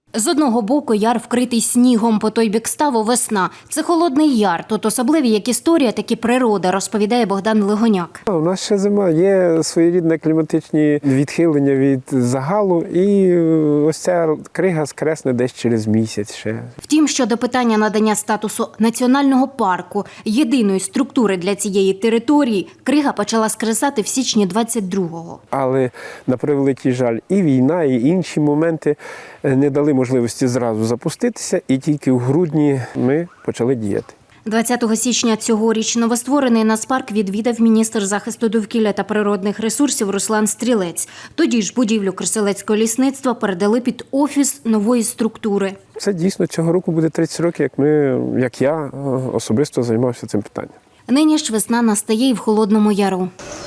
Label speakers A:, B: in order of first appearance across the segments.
A: З одного боку яр вкритий снігом, по той бік ставу весна. Це холодний яр, тут особливі як історія, так і природа, розповідає Богдан Легоняк.
B: У нас ще зима, є своєрідне кліматичні відхилення від загалу, і ось ця крига скресне десь через місяць ще.
A: Втім, щодо питання надання статусу національного парку, єдиної структури для цієї території, крига почала скресати в січні 22-го.
B: Але, на превеликий жаль, і війна, і інші моменти не дали можливості зразу запуститися, і тільки в грудні ми почали діяти.
A: 20 січня цьогоріч новостворений нацпарк відвідав міністр захисту довкілля та природних ресурсів Руслан Стрілець. Тоді ж будівлю Красилецького лісництва передали під офіс нової структури.
B: Це дійсно цього року буде 30 років, як я особисто займався цим питанням.
A: Нині ж весна настає і в Холодному Яру.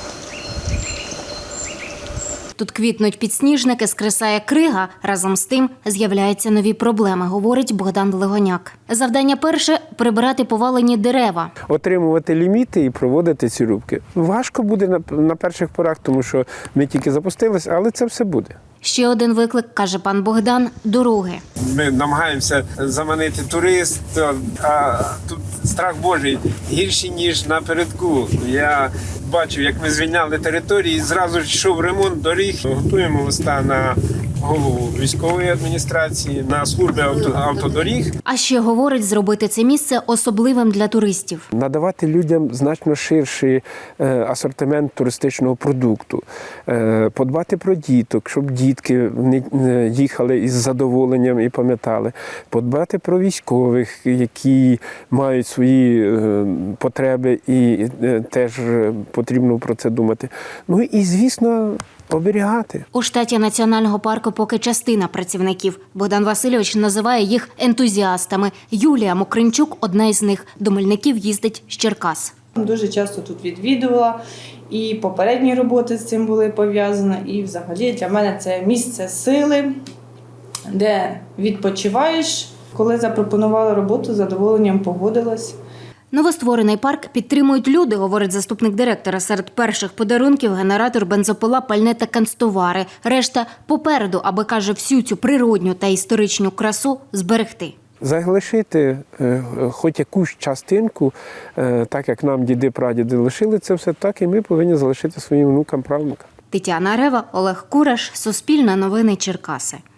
A: Тут квітнуть підсніжники, скресає крига. Разом з тим з'являються нові проблеми, говорить Богдан Легоняк. Завдання перше – прибирати повалені дерева.
B: Отримувати ліміти і проводити ці рубки. Важко буде на перших порах, тому що ми тільки запустились, але це все буде.
A: Ще один виклик, каже пан Богдан – дороги.
B: Ми намагаємося заманити туристів, а тут страх Божий гірший, ніж напередку. Я бачив, як ми звільняли території, зразу ж йшов ремонт доріг. Готуємо листа на голову військової адміністрації, на служби автодоріг.
A: А ще, говорить, зробити це місце особливим для туристів.
B: Надавати людям значно ширший асортимент туристичного продукту, подбати про діток, щоб дітки їхали із задоволенням і пам'ятали, подбати про військових, які мають свої потреби і теж потрібно про це думати. Ну і, звісно, оберігати.
A: У штаті Національного парку поки частина працівників. Богдан Васильович називає їх ентузіастами. Юлія Мокринчук – одна із них. До Мельників їздить з Черкас.
C: Дуже часто тут відвідувала, і попередні роботи з цим були пов'язані, і взагалі для мене це місце сили, де відпочиваєш. Коли запропонували роботу, з задоволенням погодилась.
A: Новостворений парк підтримують люди, говорить заступник директора. Серед перших подарунків – генератор, бензопила, пальне та канцтовари. Решта попереду, аби, каже, всю цю природню та історичну красу зберегти.
B: Залишити хоч якусь частинку, так як нам діди-прадіди лишили це все, так і ми повинні залишити своїм внукам, правнукам.
A: Тетяна Рева, Олег Кураш, Суспільне новини, Черкаси.